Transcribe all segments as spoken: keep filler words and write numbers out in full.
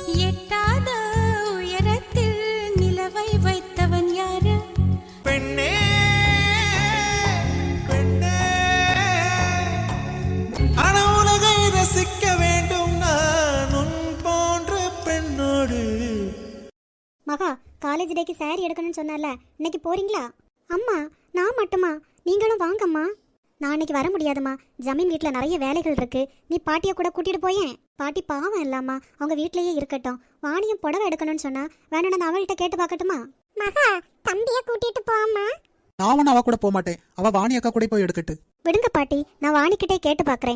எட்டாத உயரத்தில் நிலவை வைத்தவன் யாரு? பெண்ணே பெண்ணே, அன உலகை ரசிக்க வேண்டும் நான் உன் போன்ற பெண்ணோடு. மகா, காலேஜ் டேக்கு சாரி எடுக்கணும்னு சொன்னால, இன்னைக்கு போறீங்களா? அம்மா, நான் மட்டுமா? நீங்களும் வாங்கம்மா. நான் இன்னைக்கு வர முடியாதுமா, ஜமீன் வீட்டில் நிறைய வேலைகள் இருக்கு. நீ பாட்டியை கூட கூட்டிட்டு போயேன். பாட்டி பாவம் இல்லாமா, அவங்க வீட்லயே இருக்கட்டும். வாணியும் புடவை எடுக்கணும்னு சொன்னா வேணும்னு நான் அவள்கிட்ட கேட்டு பார்க்கட்டுமா? மகா, தம்பிய கூட்டிட்டு போம்மா. நான் அவ கூட போக மாட்டேன், அவ வாணி அக்கா கூட போய் எடுக்கட்டு. விடுங்க பாட்டி, நான் வாணிக்கிட்டே கேட்டு பார்க்கறேன்.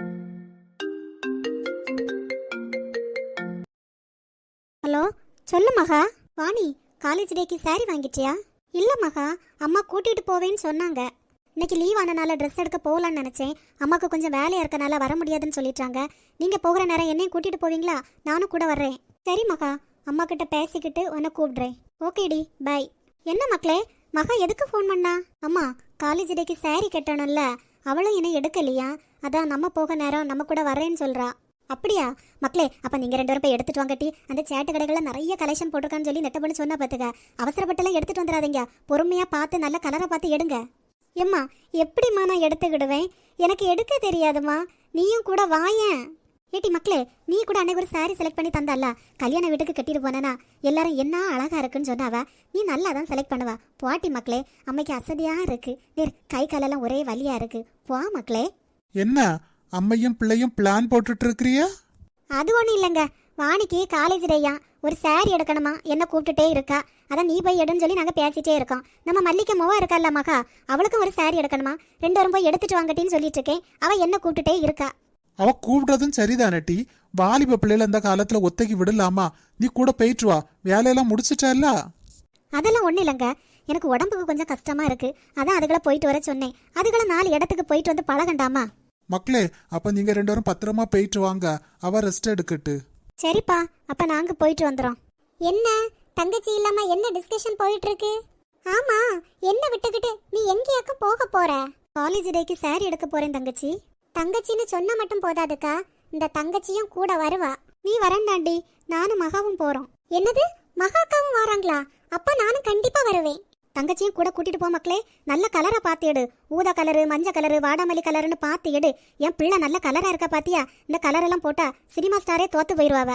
ஹலோ, சொல்லு மகா. வாணி, காலேஜ் டேக்கு சாரி வாங்கிட்டியா? இல்ல மகா, அம்மா கூட்டிட்டு போவேன்னு சொன்னாங்க. இன்னைக்கு லீவ் ஆனனால ட்ரெஸ் எடுக்க போகலான்னு நினைச்சேன். அம்மாவுக்கு கொஞ்சம் வேலையா இருக்கனால வர முடியாதுன்னு சொல்லிட்டாங்க. நீங்க போகிற நேரம் என்னையும் கூட்டிட்டு போவீங்களா? நானும் கூட வர்றேன். சரி மகா, அம்மா கிட்ட பேசிக்கிட்டு உன்னை கூப்பிடுறேன். ஓகேடி, பை. என்ன மக்களே, மகா எதுக்கு ஃபோன் பண்ணா? அம்மா, காலேஜ் டேக்கு சாரி கட்டணும்ல, அவளும் என்ன எடுக்கலையா? அதான் நம்ம போக நேரம் நம்ம கூட வர்றேன்னு சொல்றா. அப்படியா மக்களே? அப்ப நீங்க ரெண்டு பேரும் போய் எடுத்துட்டு வாங்கட்டி. அந்த சேட்டு கடைகள்ல நிறைய கலெக்ஷன் போட்டிருக்கான்னு சொல்லி நெட்ட பண்ணி சொன்னா பாத்துக்க. அவசரப்பட்டெல்லாம் எடுத்துட்டு வந்துடாதீங்க, பொறுமையா பார்த்து நல்ல கலரை பார்த்து எடுங்க. எம்மா, எப்படிம்மா நான் எடுத்துக்கிடுவேன்? எனக்கு எடுக்க தெரியாதுமா, நீயும் கூட வாயேன். ஏட்டி மக்களே, நீ கூட அன்னைக்கு ஒரு சாரி செலக்ட் பண்ணி தந்தால, கல்யாண வீட்டுக்கு கட்டிட்டு போனேனா எல்லாரும் என்ன அழகா இருக்குன்னு சொன்னாவ. நீ நல்லா தான் செலக்ட் பண்ணுவா. போட்டி மக்களே, அம்மைக்கு அசதியா இருக்கு. நேர் கை காலெல்லாம் ஒரே வலியா இருக்கு. போ மக்களே. என்ன அம்மையும் பிள்ளையும் பிளான் போட்டுட்டு இருக்கிறியா? அது ஒன்றும் இல்லைங்க, வாணிக்கு காலேஜ் டேயா, ஒரு சாரி எடுக்கணுமா, என்ன கூப்பிட்டுட்டே இருக்கா. அதான் நீ போய் எடுன்னு சொல்லி நாங்கள் பேசிட்டே இருக்கோம். நம்ம மல்லிகை மோவா இருக்கல்ல மகா, அவளுக்கும் ஒரு சாரி எடுக்கணுமா, ரெண்டு வரும் போய் எடுத்துட்டு வாங்கட்டின்னு சொல்லிட்டு இருக்கேன். அவள் என்ன கூப்பிட்டுட்டே இருக்கா. அவ கூப்பிடுறதும் சரிதானட்டி. வாலிப பிள்ளைல இந்த காலத்துல ஒத்தைக்கு விடலாமா? நீ கூட போயிட்டு வா, வேலையெல்லாம் முடிச்சிட்டா? அதெல்லாம் ஒன்றும் இல்லைங்க, எனக்கு உடம்புக்கு கொஞ்சம் கஷ்டமா இருக்கு. அதான் அதுகளை போயிட்டு வர சொன்னேன். அதுகளை நாலு இடத்துக்கு போயிட்டு வந்து பழகண்டாமா? மக்களே, அப்ப நீங்க ரெண்டு பேரும் பத்திரமா போயிட்டு வாங்க, அவ ரெஸ்ட் எடுக்கட்டு. சரிப்பா, அப்ப நாங்க போயிட்டு வந்துடும். என்ன தங்கச்சி இல்லாம என்ன டிஸ்கஷன் போயிட்டு இருக்கு? ஆமா, என்ன விட்டுக்கிட்டு நீ எங்கேயாக்கும் போக போற? காலேஜ் டேக்கு சாரி எடுக்க போறேன் தங்கச்சி. தங்கச்சின்னு சொன்னா மட்டும் போதாதுக்கா, இந்த தங்கச்சியும் கூட வருவா. நீ வரண்டாண்டி, நானும் மகாவும் போறோம். என்னது, மகாக்காவும் வராங்களா? அப்ப நானும் கண்டிப்பா வருவேன். தங்கச்சியும் கூட கூட்டிட்டு போ மக்களே. நல்ல கலரா பார்த்து எடு. ஊதா கலரு, மஞ்சள் கலரு, வாடாமல்லி கலருன்னு பார்த்து எடு. என் பிள்ளை நல்ல கலரா இருக்கா பாத்தியா? இந்த கலர் எல்லாம் போட்டா சினிமா ஸ்டாரே தோத்து போயிருவாவ.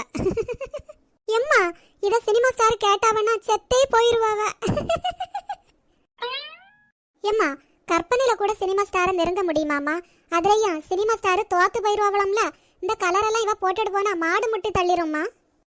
எம்மா, இத சினிமா ஸ்டார் கேட்டாவனா செத்தே போயிருவாவ. எம்மா, கற்பனையில கூட சினிமா ஸ்டாரை நெருங்க முடியுமாமா? அதுலயா சினிமா ஸ்டார் தோத்து போயிருவாவலாம்ல. இந்த கலர் எல்லாம் இவ போட்டுட்டு போனா மாடு முட்டி தள்ளிரும்மா.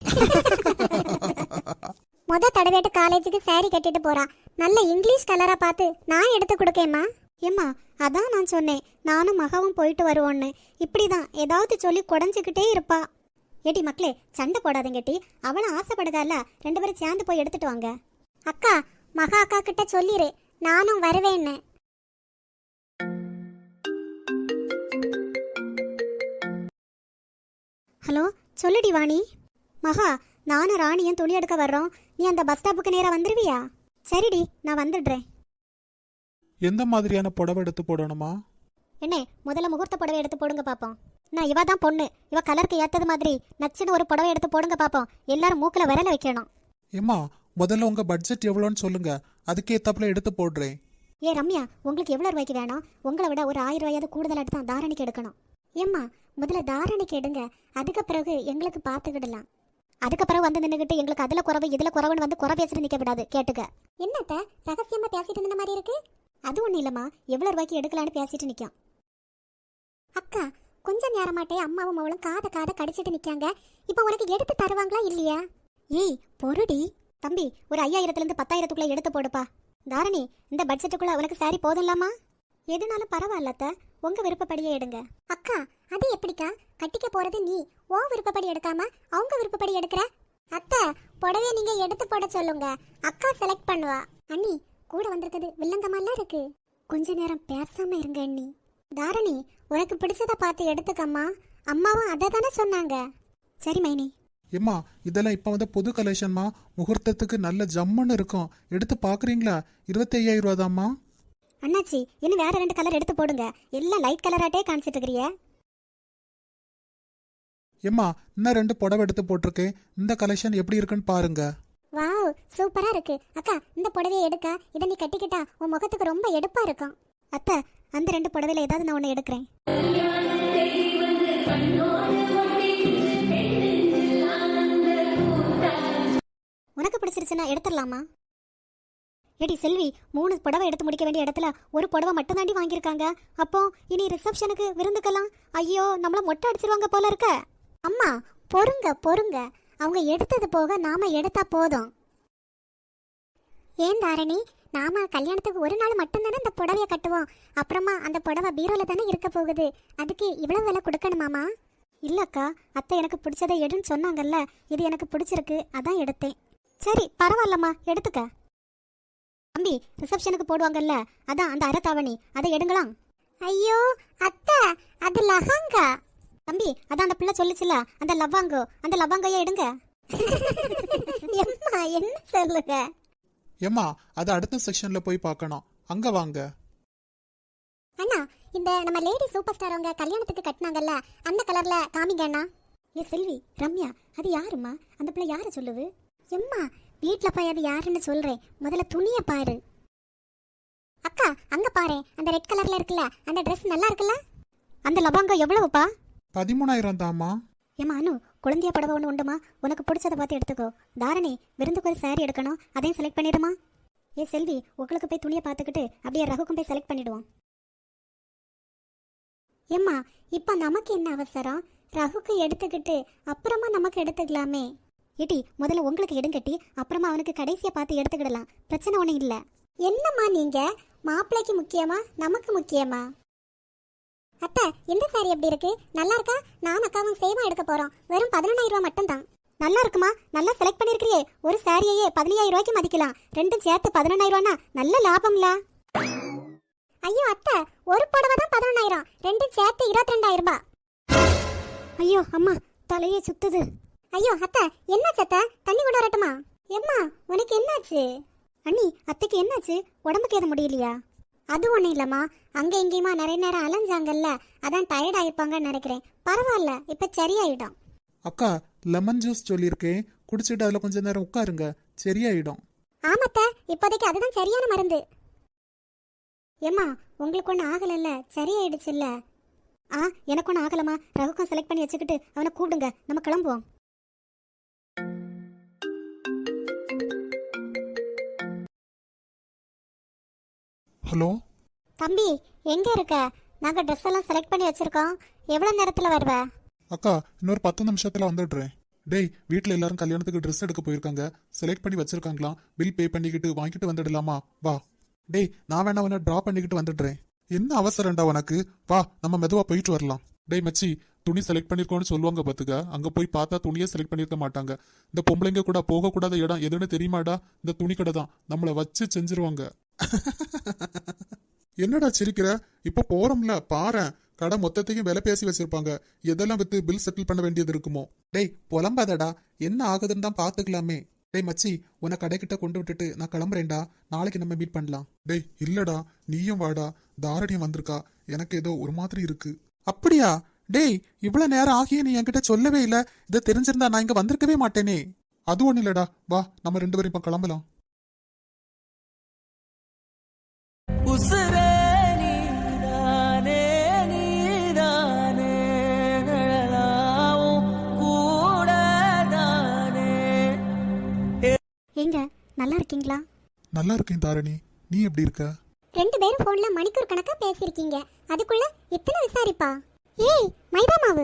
முத தடவைட்டு காலேஜுக்கு சாரி கட்டிட்டு போறா. நல்ல இங்கிலீஷ் கலரா பார்த்து நான் எடுத்து கொடுக்கேம்மா. ஏம்மா, அதான் நான் சொன்னேன், நானும் மகாவும் போயிட்டு வருவோன்னு. இப்படிதான் ஏதாவது சொல்லி குடஞ்சிக்கிட்டே இருப்பா. ஏட்டி மக்களே, சண்டை போடாதீங்கட்டி. அவளும் ஆசைப்படுதால, ரெண்டு பேரும் சேர்ந்து போய் எடுத்துட்டு வாங்க. அக்கா, மகா அக்கா கிட்ட சொல்லிரு நானும் வருவேன்னு. ஹலோ, சொல்லுடி வாணி. மகா, நானும் ராணியும் துணி எடுக்க வர்றோம். நீ அந்த பஸ் ஸ்டாப்புக்கு நேரா வந்துருவியா? சரிடி, நான் வந்துடுறேன். எந்த மாதிரியான புடவை எடுத்து போடணுமா? என்ன, முதல்ல முகூர்த்த புடவை எடுத்து போடுங்க பாப்போம். நான் இவ தான் பொண்ணு, இவ கலருக்கு ஏத்தது மாதிரி நச்சுன்னு ஒரு புடவை எடுத்து போடுங்க பாப்போம். எல்லாரும் மூக்குல விரல வைக்கணும். ஏம்மா, முதல்ல உங்க பட்ஜெட் எவ்வளோன்னு சொல்லுங்க, அதுக்கேத்தாப்புல எடுத்து போடுறேன். ஏ ரம்யா, உங்களுக்கு எவ்வளவு ரூபாய்க்கு வேணும்? உங்களை விட ஒரு ஆயிரம் ரூபாயாவது கூடுதலாட்டு தான் தாரணிக்கு எடுக்கணும். ஏம்மா, முதல்ல தாரணிக்கு எடுங்க, அதுக்கு பிறகு எங்களுக்கு பார்த்துக்கிடலாம். அதுக்கு பிறகு வந்து நின்றுகிட்டு எங்களுக்கு அதுல குறவு இதுல குறவுன்னு வந்து குறை பேசிட்டு நிக்க விடாது, கேட்டுக்க. என்னத்த ரகசியமா பேசிட்டு இருந்த மாதிரி இருக்கு? அது ஒண்ணு இல்லம்மா, எவ்வளவு ரூபாய்க்கு எடுக்கலான்னு பேசிட்டு நிக்கும். அக்கா, கொஞ்ச நேரமாட்டே அம்மாவும் அவளும் காத காத கடிச்சிட்டு நிக்காங்க. இப்ப உனக்கு எடுத்து தருவாங்களா இல்லையா? ஏய் பொருடி. தம்பி, ஒரு ஐயாயிரத்துல இருந்து பத்தாயிரத்துக்குள்ள எடுத்து போடுப்பா. தாரணி, இந்த பட்ஜெட்டுக்குள்ள உனக்கு சாரி போதும்லாமா? எதுனாலும் பரவாயில்லத்த, உங்க விருப்பப்படியே எடுங்க. அக்கா, அது எப்படிக்கா? கட்டிக்க போறது நீ, ஓ விருப்பப்படி எடுக்காம அவங்க விருப்பப்படி எடுக்கிற? அத்தை, புடவைய நீங்க எடுத்து போட சொல்லுங்க, அக்கா செலக்ட் பண்ணுவா. அண்ணி, கூட வந்திருக்குது வில்லங்கமாலாம் இருக்கு. கொஞ்ச நேரம் பேசாம இருங்க அண்ணி. தாரணி, உனக்கு பிடிச்சத பார்த்து எடுத்துக்கம்மா. அம்மாவும் அதை தானே சொன்னாங்க. சரி மைனி. ஏம்மா, இதெல்லாம் இப்போ வந்து புது கலெக்ஷன்மா, முகூர்த்தத்துக்கு நல்ல ஜம்முன்னு இருக்கும். எடுத்து பார்க்குறீங்களா? இருபத்தி ஐயாயிரம் ரூபா தாம்மா. அண்ணாச்சி, இன்னும் வேற ரெண்டு கலர் எடுத்து போடுங்க. எல்லாம் லைட் கலராட்டே காமிச்சிட்டு இருக்கிறிய. ஏம்மா இன்னும் ரெண்டு புடவை எடுத்து போட்டிருக்கேன், இந்த கலெக்ஷன் எப்படி இருக்குன்னு பாருங்க. வாவ், சூப்பரா இருக்கு. அக்கா, இந்த புடவையை எடுக்க, இதை நீ கட்டிக்கிட்டா உன் முகத்துக்கு ரொம்ப எடுப்பா இருக்கும். அத்தை, அந்த ரெண்டு புடவையில ஏதாவது நான் ஒன்று எடுக்கிறேன். உனக்கு பிடிச்சிருச்சுன்னா எடுத்துடலாமா? ஏடி செல்வி, மூணு புடவை எடுத்து முடிக்க வேண்டிய இடத்துல ஒரு புடவை மட்டும் தாண்டி வாங்கியிருக்காங்க. அப்போ இனி ரிசப்ஷனுக்கு விருந்துக்கலாம். ஐயோ, நம்மள மொட்டை அடிச்சிருவாங்க போல இருக்க. அம்மா பொறுங்க பொறுங்க, அவங்க எடுத்தது போக நாம எடுத்தா போதும். ஏன் தாரணி, நாம கல்யாணத்துக்கு ஒரு நாள் மட்டும்தானே அந்த புடவைய கட்டுவோம். அப்புறமா அந்த புடவை பீரோல தானே இருக்க போகுது. அதுக்கு இவ்வளவு விலை கொடுக்கணுமாமா? இல்லக்கா, அத்தை எனக்கு பிடிச்சதை எடுன்னு சொன்னாங்கல்ல, இது எனக்கு பிடிச்சிருக்கு, அதான் எடுத்தேன். சரி பரவாயில்லம்மா, எடுத்துக்க. தம்பி, ரிசப்ஷனுக்கு போடுவாங்கல்ல, அதான் அந்த அரைத்தாவணி, அதை எடுங்களாம். ஐயோ அத்தை, அது லஹங்கா. தம்பி, அதான் அந்த பிள்ளை சொல்லிச்சுல, அந்த லவ்வாங்கோ, அந்த லவ்வாங்கைய எடுங்க. எம்மா என்ன சொல்லுங்க? ஏம்மா அது அடுத்த செக்ஷன்ல போய் பார்க்கணும், அங்க வாங்க. அண்ணா, இந்த நம்ம லேடி சூப்பர் ஸ்டார் அவங்க கல்யாணத்துக்கு கட்டினாங்கல்ல, அந்த கலர்ல காமிங்க அண்ணா. ஏ செல்வி, ரம்யா, அது யாருமா? அந்த பிள்ளை யார சொல்லுது? எம்மா, வீட்ல போய் அது யாருன்னு சொல்றேன், முதல்ல துணிய பாரு. அக்கா, அங்க பாரு, அந்த ரெட் கலர்ல இருக்குல்ல, அந்த Dress நல்லா இருக்குல்ல? அந்த லபாங்க எவ்வளவுப்பா? பதிமூணாயிரம் தாம்மா. ஏமா அனு, குழந்தைய புடவை ஒன்று உண்டுமா? உனக்கு பிடிச்சதை பார்த்து எடுத்துக்கோ. தாரணி, விருந்துக்கு ஒரு சாரி எடுக்கணும், அதையும் செலக்ட் பண்ணிடுமா? ஏ செல்வி, உங்களுக்கு போய் துணியை பார்த்துக்கிட்டு அப்படியே ரகுக்கும் போய் செலக்ட் பண்ணிடுவோம். ஏம்மா, இப்போ நமக்கு என்ன அவசரம்? ரகுக்கு எடுத்துக்கிட்டு அப்புறமா நமக்கு எடுத்துக்கலாமே. ஏட்டி, முதல்ல உங்களுக்கு எடுங்கட்டி, அப்புறமா அவனுக்கு கடைசியை பார்த்து எடுத்துக்கிடலாம், பிரச்சனை ஒன்றும் இல்லை. என்னம்மா நீங்க, மாப்பிள்ளைக்கு முக்கியமா நமக்கு முக்கியமா? அத்தை, இந்த சாரி எப்படி இருக்கு? நல்லா இருக்கா? நான் அக்காவும் சேமா எடுக்க போறோம், வெறும் பதினொன்னாயிரம் ரூபாய் மட்டும்தான். நல்லா இருக்குமா? நல்லா செலக்ட் பண்ணிருக்கிறியே. ஒரு சாரியையே பதினையாயிரம் ரூபாய்க்கு மதிக்கலாம், ரெண்டும் சேர்த்து பதினொன்னாயிரம் ரூபானா நல்ல லாபம்ல. ஐயோ அத்தை, ஒரு புடவை தான் பதினொன்னாயிரம், ரெண்டும் சேர்த்து இருபத்தி ரெண்டாயிரம் ரூபாய். ஐயோ அம்மா, தலையே சுத்துது. ஐயோ அத்தை, என்னாச்சு அத்தை? தண்ணி கொண்டு வரட்டுமா? எம்மா, உனக்கு என்னாச்சு? அண்ணி, அத்தைக்கு என்னாச்சு? உடம்புக்கு எதுவும் முடியலையா? அது ஒன்றும் இல்லைம்மா, அங்கே எங்கேயுமா நிறைய நேரம் அலைஞ்சாங்கல்ல, அதான் டயர்ட் ஆயிருப்பாங்கன்னு நினைக்கிறேன். பரவாயில்ல, இப்போ சரியாயிடும். அக்கா, லெமன் ஜூஸ் சொல்லியிருக்கேன், குடிச்சிட்டு அதில் கொஞ்ச நேரம் உட்காருங்க, சரியாயிடும். ஆமாத்த, இப்போதைக்கு அதுதான் சரியான மருந்து. ஏம்மா, உங்களுக்கு ஒன்றும் ஆகலைல்ல, சரியாயிடுச்சுல்ல? ஆ, எனக்கு ஒன்றும் ஆகலம்மா. ரகுக்கம் செலக்ட் பண்ணி வச்சுக்கிட்டு அவனை கூப்பிடுங்க, நம்ம கிளம்புவோம். ஹலோ தம்பி, எங்க இருக்க? நாங்க ட்ரெஸ் எல்லாம் செலக்ட் பண்ணி வச்சிருக்கோம், எவ்வளவு நேரத்துல வருவ? அக்கா, இன்னொரு பத்து நிமிஷத்துல வந்துடுறேன். டேய், வீட்டில் எல்லாரும் கல்யாணத்துக்கு ட்ரெஸ் எடுக்க போயிருக்காங்க, செலக்ட் பண்ணி வச்சிருக்காங்களாம், பில் பே பண்ணிக்கிட்டு வாங்கிட்டு வந்துடலாமா? வா. டேய், நான் வேணா உன்னை ட்ரா பண்ணிக்கிட்டு வந்துடுறேன். என்ன அவசரம்டா உனக்கு? வா, நம்ம மெதுவா போயிட்டு வரலாம். டேய் மச்சி, துணி செலக்ட் பண்ணிருக்கோன்னு சொல்லுவாங்க பாத்துக்க, அங்க போய் பார்த்தா துணியே செலக்ட் பண்ணிருக்க மாட்டாங்க. இந்த பொம்பளைங்க கூட போகக்கூடாத இடம் எதுன்னு தெரியுமாடா? இந்த துணி கடை தான், நம்மளை வச்சு செஞ்சிருவாங்க. என்னடா சிரிக்கிற? இப்ப போறோம்ல, பாரு, கடை மொத்தத்தையும் விலை பேசி வச்சிருப்பாங்க, எதெல்லாம் வித்து பில் செட்டில் பண்ண வேண்டியது இருக்குமோ. டேய் புலம்பாதடா, என்ன ஆகுதுன்னு தான் பாத்துக்கலாமே. டேய் மச்சி, உன்னை கடைக்கிட்ட கொண்டு விட்டுட்டு நான் கிளம்புறேன்டா, நாளைக்கு நம்ம மீட் பண்ணலாம். டேய் இல்லடா, நீயும் வாடா, தாரணியம் வந்திருக்கா, எனக்கு ஏதோ ஒரு மாதிரி இருக்கு. அப்படியா? டேய், இவ்வளவு நேரம் ஆகிய நீ என்கிட்ட சொல்லவே இல்ல, இதை தெரிஞ்சிருந்தா நான் இங்க வந்திருக்கவே மாட்டேனே. அது ஒண்ணு இல்லடா, வா நம்ம ரெண்டு பேரும் இப்ப கிளம்பலாம். உசுரே நீதானே, நீதானே, நிழலாவும் கூடதானே. எங்க நல்லா இருக்கீங்களா? நல்லா இருக்கேன் தாரணி, நீ எப்படி இருக்க? ரெண்டு பேரும் போன்ல மணிக்கூர் கணக்கா பேசிருக்கீங்க, அதுக்குள்ள இத்தனை விசாரிப்பா? ஏய் மைதா மாவு.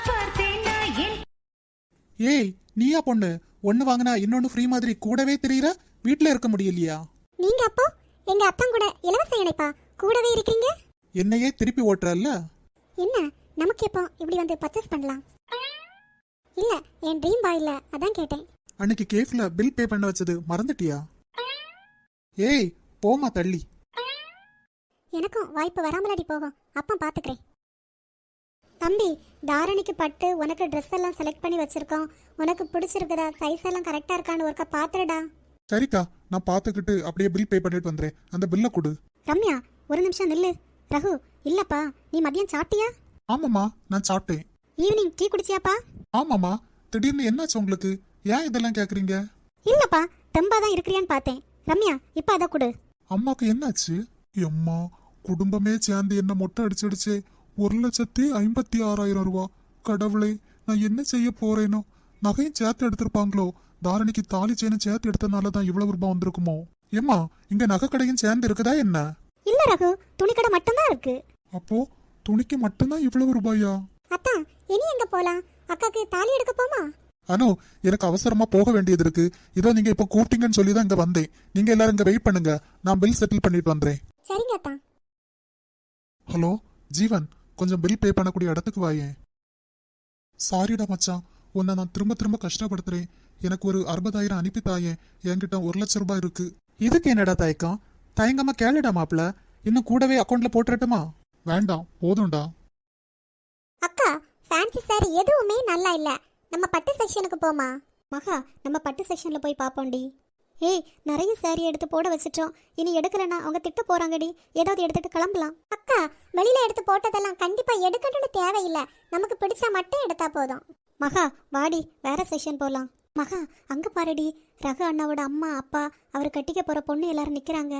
ஏய், நீயா பொண்ணு, ஒன்னு வாங்கினா இன்னொன்னு ஃப்ரீ மாதிரி கூடவே தெரியற, வீட்டுல இருக்க முடியலையா? நீங்க அப்போ எங்க அத்தன் கூட இலவச இணைப்பா கூடவே இருக்கீங்க? என்னையே திருப்பி ஓட்டுறல்ல. என்ன, நமக்கு எப்போ இப்படி வந்து பர்ச்சேஸ் பண்ணலாம்? இல்ல, என் ட்ரீம் பாய் இல்ல, அதான் கேட்டேன். அன்னைக்கு கேஃப்ல பில் பே பண்ண வச்சது மறந்துட்டியா? ஏய் போமா தள்ளி. எனக்கும் வாய்ப்பு வராமலடி போகும், அப்ப பாத்துக்கிறேன். தம்பி, தாரணிக்கு பட்டு உனக்கு ட்ரெஸ் எல்லாம் செலக்ட் பண்ணி வச்சிருக்கோம், உனக்கு பிடிச்சிருக்குதா, சைஸ் எல்லாம் கரெக்டா இருக்கான்னு ஒருக்கா பாத்துடா. சரிக்கா, நான் பாத்துக்கிட்டு அப்படியே பில் பே பண்ணிட்டு வந்துறேன், அந்த பில்ல கொடு. ரம்யா, ஒரு நிமிஷம் நில்லு. ரகு, இல்லப்பா, நீ மதியம் சாப்பிட்டியா? ஆமாம்மா, நான் சாப்பிட்டேன். ஈவினிங் டீ குடிச்சியாப்பா? ஆமாமா, திடீர்னு என்னாச்சு உங்களுக்கு? ஏன் இதெல்லாம் கேக்குறீங்க? இல்லப்பா, தெம்பா தான் இருக்கிறியான்னு பார்த்தேன். ரம்யா, இப்ப அதை கொடு. அம்மாக்கு என்னாச்சு? அம்மா, குடும்பமே சேர்ந்து என்ன மொட்டை அடிச்சிடுச்சே. ஒரு லட்சத்தி ஐம்பத்தி ஆறாயிரம் ரூபா. கடவுளே, நான் என்ன செய்ய போறேனோ? நகையும் சேர்த்து எடுத்திருப்பாங்களோ? தாரணிக்கு தாலி செயினும் சேர்த்து எடுத்தனாலதான் இவ்வளவு ரூபாய் வந்திருக்குமோ? ஏம்மா, இங்க நகை கடையும் சேர்ந்து இருக்குதா என்ன? இல்ல ரகு, துணிக்கடை மட்டும்தான் இருக்கு. அப்போ துணிக்கு மட்டும்தான் இவ்வளவு ரூபாயா? அத்தா, இனி எங்க போலாம்? அக்காக்கு தாலி எடுக்க போமா? அனு, எனக்கு அவசரமா போக வேண்டியது இருக்கு. இதோ நீங்க இப்ப கூப்பிட்டீங்கன்னு சொல்லி தான் இங்க வந்தேன். நீங்க எல்லாரும் இங்க வெயிட் பண்ணுங்க, நான் பில் செட்டில் பண்ணிட்டு வந்துறேன். சரிங்க அத்தா. ஹலோ ஜீவன், கொஞ்சம் பில் பே பண்ணக்கூடிய இடத்துக்கு வாயேன். சாரிடா மச்சான், உன்னை நான் திரும்ப திரும்ப கஷ்டப்படுத்துறேன். எனக்கு ஒரு அறுபதாயிரம் அனுப்பி தாயேன். என்கிட்ட ஒரு லட்சம் ரூபாய் இருக்கு. இதுக்கு என்னடா தயக்கம்? தயங்கமா கேளுடா மாப்பிள. இன்னும் கூடவே அக்கௌண்ட்ல போட்டுறட்டுமா? வேண்டாம், போதும்டா. அக்கா, ஃபேன்சி சாரி எதுவுமே நல்லா இல்ல. நம்ம பட்டு செக்ஷனுக்கு போமா? மகா, நம்ம பட்டு செக்ஷன்ல போய் பாப்போம்டி. ஏய், நிறைய சாரி எடுத்து போட வச்சிட்டோம். இனி எடுக்கலனா அவங்க திட்ட போறாங்கடி. ஏதாவது எடுத்துட்டு கிளம்பலாம். அக்கா, வெளியில எடுத்து போட்டதெல்லாம் கண்டிப்பா எடுக்கணும்னு தேவையில்லை. நமக்கு பிடிச்சா மட்டும் எடுத்தா போதும். மகா, வாடி, வேற செக்ஷன் போலாம். மகா, அங்க பாருடி, ரகு அண்ணாவோட அம்மா அப்பா அவர் கட்டிக்க போற பொண்ணு எல்லாரும் நிக்கிறாங்க.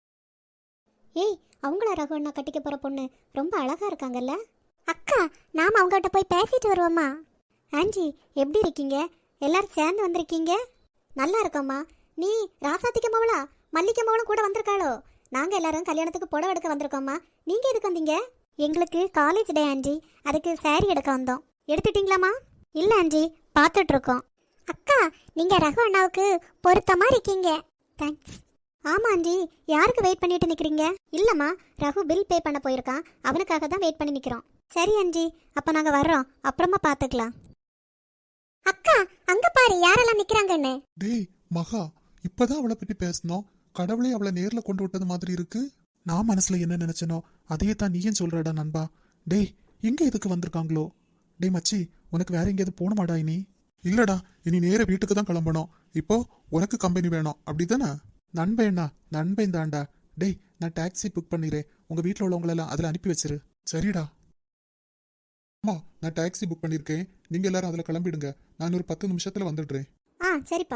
ஏய், அவங்கள ரகு அண்ணா கட்டிக்க போற பொண்ணு ரொம்ப அழகா இருக்காங்கல்ல? அக்கா, நாம அவங்ககிட்ட போய் பேசிட்டு வருவோமா? ஆன்ஜி, எப்படி இருக்கீங்க? எல்லாரும் சேர்ந்து வந்திருக்கீங்க. நல்லா இருக்கோம்மா. நீ ராசாத்திக்க மவளா, மல்லிக்க மவளும் கூட வந்திருக்காளோ? நாங்க எல்லாரும் கல்யாணத்துக்கு புடவை எடுக்க வந்திருக்கோம்மா. நீங்க எதுக்கு வந்தீங்க? எங்களுக்கு காலேஜ் டே ஆன்ஜி, அதுக்கு சாரி எடுக்க வந்தோம். எடுத்துட்டீங்களாமா? இல்ல ஆன்ஜி, பார்த்துட்டு இருக்கோம். அக்கா, நீங்க ரகு அண்ணாவுக்கு பொருத்தமா இருக்கீங்க. தேங்க்ஸ். ஆமா ஆன்ஜி, யாருக்கு வெயிட் பண்ணிட்டு நிக்கிறீங்க? இல்லம்மா, ரகு பில் பே பண்ண போயிருக்கான், அவனுக்காக தான் வெயிட் பண்ணி நிக்கிறோம். சரி ஆன்ஜி, அப்ப நாங்க வர்றோம், அப்புறமா பாத்துக்கலாம். அக்கா, அங்க பாரு யாரெல்லாம் நிக்கிறாங்கன்னு. டேய் மகா, இப்பதான் அவளை பத்தி பேசணும். கடவுளே அவளை நேர்ல கொண்டு விட்டது மாதிரி இருக்கு. நான் மனசுல என்ன நினைச்சனோ அதையே தான் நீயும் சொல்றடா நண்பா. டேய், இங்க எதுக்கு வந்திருக்காங்களோ? டேய் மச்சி, உனக்கு வேற எங்கேயாவது போகணுமாடா இனி? இல்லடா, இனி நேர வீட்டுக்கு தான் கிளம்பணும். இப்போ உனக்கு கம்பெனி வேணும், அப்படிதானே? நண்பேண்ணா, நண்பன் தான்டா. டேய், நான் டாக்ஸி புக் பண்ணிடுறேன். உங்க வீட்டில் உள்ளவங்களெல்லாம் அதில் அனுப்பி வச்சிரு. சரிடா. அம்மா, நான் டாக்ஸி புக் பண்ணியிருக்கேன். நீங்க எல்லாரும் அதில் கிளம்பிடுங்க. நான் ஒரு பத்து நிமிஷத்துல வந்துடுறேன். ஆ, சரிப்பா.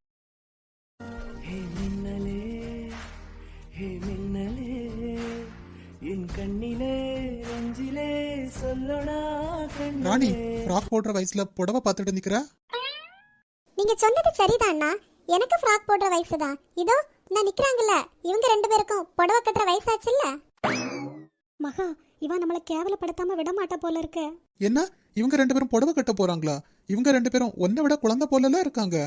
ஹே மின்னலே, ஹே மின்னலே, என் கண்ணிலே நெஞ்சிலே சொல்லடா ராணி, கண்ணே. ஃப்ராக் போடுற வயசுல புடவை பார்த்துட்டு நிக்கிற? நீங்க சொன்னது சரிதாண்ணா, எனக்கு ஃப்ராக் போடுற வயசுதான். இதோ நான் நிக்கிறாங்கல்ல, இவங்க ரெண்டு பேருக்கும் புடவை கட்டுற வயசாச்சுல்ல. மகா, இவன் நம்மள கேவலப்படுத்தாம விட மாட்டா போல இருக்க. என்ன, இவங்க ரெண்டு பேரும் புடவை கட்ட போறாங்களா? இவங்க ரெண்டு பேரும் ஒன்னை விட குழந்தை போலலாம் இருக்காங்க.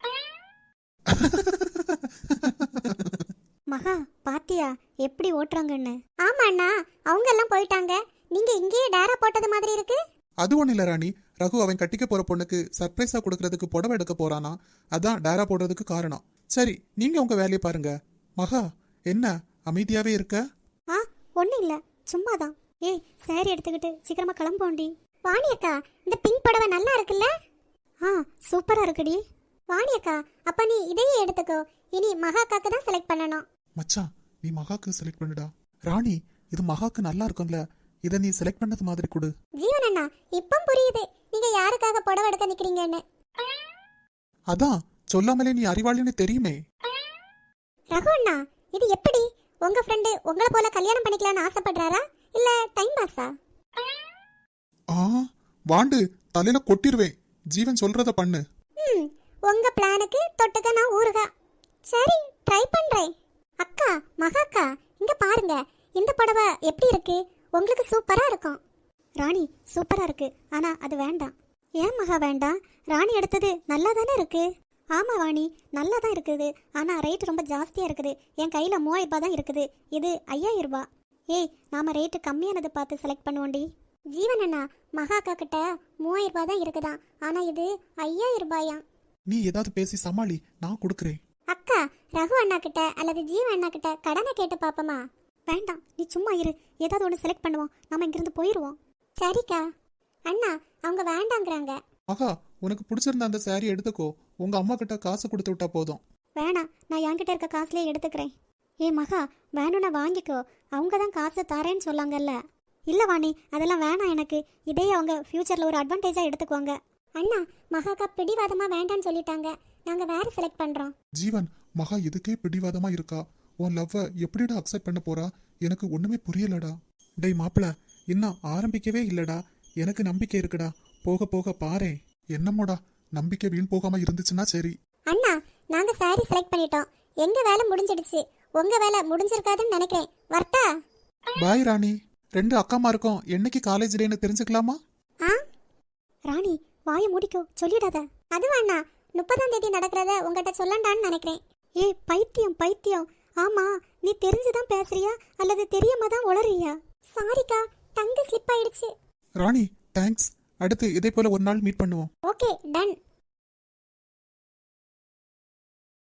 மகா, பாத்தியா எப்படி ஓட்டுறாங்கன்னு? ஆமா அண்ணா, அவங்க எல்லாம் போயிட்டாங்க. நீங்க இங்கேயே டேரா போட்டது மாதிரி இருக்கு. அது ஒண்ணு இல்ல ராணி, ரகு அவன் கட்டிக்க போற பொண்ணுக்கு சர்ப்ரைஸா கொடுக்கறதுக்கு புடவை எடுக்க போறானா, அதான் டேரா போடுறதுக்கு காரணம். சரி, நீங்க உங்க வேலையை பாருங்க. மகா, என்ன அமைதியாவே இருக்க? ஆ, ஒண்ணு இல்ல, சும்மாதான். ஏய், சாரி எடுத்துக்கிட்டு சீக்கிரமா கிளம்போண்டி. வாணி அக்கா, இந்த பிங்க் புடவை நல்லா இருக்குல்ல? ஆ, சூப்பரா இருக்குடி. வாணி அக்கா, அப்ப நீ இதையே எடுத்துக்கோ. இனி மகாக்காக்கு தான் செலக்ட் பண்ணணும். மச்சான், நீ மகாக்கு செலக்ட் பண்ணுடா. ராணி, இது மகாக்கு நல்லா இருக்கும்ல, இதை நீ செலக்ட் பண்ணது மாதிரி கொடு. ஜீவன் அண்ணா, இப்ப புரியுது நீங்க யாருக்காக புடவை எடுக்க நிக்கிறீங்கன்னு. அதான் சொல்லாமலே நீ அறிவாளின்னு தெரியுமே. ரகு அண்ணா, இது எப்படி? உங்க ஃப்ரெண்டு உங்களை போல கல்யாணம் பண்ணிக்கலாம்னு ஆசைப்படுறாரா, இல்ல டைம் பாஸா? ஆ, வாண்டு தலையில கொட்டிருவேன். ஜீவன் சொல்றத பண்ணு. ம், உங்க பிளானுக்கு தொட்டுக்க நான் ஊறுகா. சரி, ட்ரை பண்றேன். அக்கா, மகாக்கா, இங்க பாருங்க, இந்த புடவை எப்படி இருக்கு? உங்களுக்கு சூப்பரா இருக்கும். ராணி, சூப்பரா இருக்கு, ஆனா அது வேண்டாம். ஏன் மகா வேண்டாம்? ராணி எடுத்தது நல்லா தானே இருக்கு. ஆமா வாணி, நல்லா தான் இருக்குது, ஆனா ரேட் ரொம்ப ஜாஸ்தியா இருக்குது. என் கையில மூவாயிரம் ரூபாய் தான் இருக்குது, இது ஐயாயிரம் ரூபாய். ஏய், நாம ரேட்டு கம்மியானதை பார்த்து செலக்ட் பண்ணுவோண்டி. ஜீவன் அண்ணா, மகாக்கா கிட்ட மூவாயிரம் ரூபாய் தான் இருக்குதான், ஆனா இது ஐயாயிரம் ரூபாயா. நீ ஏதாவது பேசி சமாளி, நான் கொடுக்குறேன். அக்கா, ரகு அண்ணா கிட்ட அல்லது ஜீவன் அண்ணா கிட்ட கடனை கேட்டு பாப்பமா? வேண்டாம், நீ சும்மா இரு, ஏதாவது ஒன்று செலக்ட் பண்ணுவோம், நம்ம இங்கிருந்து போயிடுவோம். சரிக்கா. அண்ணா, அவங்க வேண்டாங்கிறாங்க. மகா, உனக்கு பிடிச்சிருந்த அந்த சாரி எடுத்துக்கோ. உங்க அம்மா கிட்ட காசு கொடுத்து விட்டா போதும். வேணாம், நான் என்கிட்ட இருக்க காசுலேயே எடுத்துக்கிறேன். ஏ மகா, வேணும்னா வாங்கிக்கோ, அவங்க தான் காசு தரேன்னு சொல்லாங்கல்ல. இல்லை வாணி, அதெல்லாம் வேணாம் எனக்கு. இதே அவங்க ஃப்யூச்சரில் ஒரு அட்வான்டேஜாக எடுத்துக்குவாங்க. அண்ணா மகாக்கா பிடிவாதமா வேண்டான்னு சொல்லிட்டாங்க. நாங்க வேற செலக்ட் பண்றோம். ஜீவன், மகா இதுக்கே பிடிவாதமா இருக்கா. உன் லவ்வை எப்படிடா அக்செப்ட் பண்ண போறா? எனக்கு ஒண்ணுமே புரியலடா. டேய் மாப்பிள, இன்னும் ஆரம்பிக்கவே இல்லடா. எனக்கு நம்பிக்கை இருக்குடா. போக போக பாரேன். என்னமோடா, நம்பிக்கை வீண் போகாம இருந்துச்சுன்னா சரி. அண்ணா நாங்க சாரி செலக்ட் பண்ணிட்டோம். எங்க வேலை முடிஞ்சிடுச்சு. உங்க வேலை முடிஞ்சிருக்காதுன்னு நினைக்கிறேன். வரட்டா? பாய் ராணி. ரெண்டு அக்காமா இருக்கோம். என்னைக்கு காலேஜ் டேன்னு தெரிஞ்சுக்கலாமா? ஆ ராணி வாயை மூடிக்கோ, சொல்லிடாத. அது வேணா, முப்பதாம் தேதி நடக்கிறத உங்ககிட்ட சொல்லண்டான்னு நினைக்கிறேன். ஏ பைத்தியம் பைத்தியம். ஆமா, நீ தெரிஞ்சுதான் பேசுறியா அல்லது தெரியாம தான் உளறியா? சாரிக்கா, டங்கு ஸ்லிப் ஆயிடுச்சு. ராணி தேங்க்ஸ். அடுத்து இதே போல ஒரு நாள் மீட் பண்ணுவோம். Okay ton.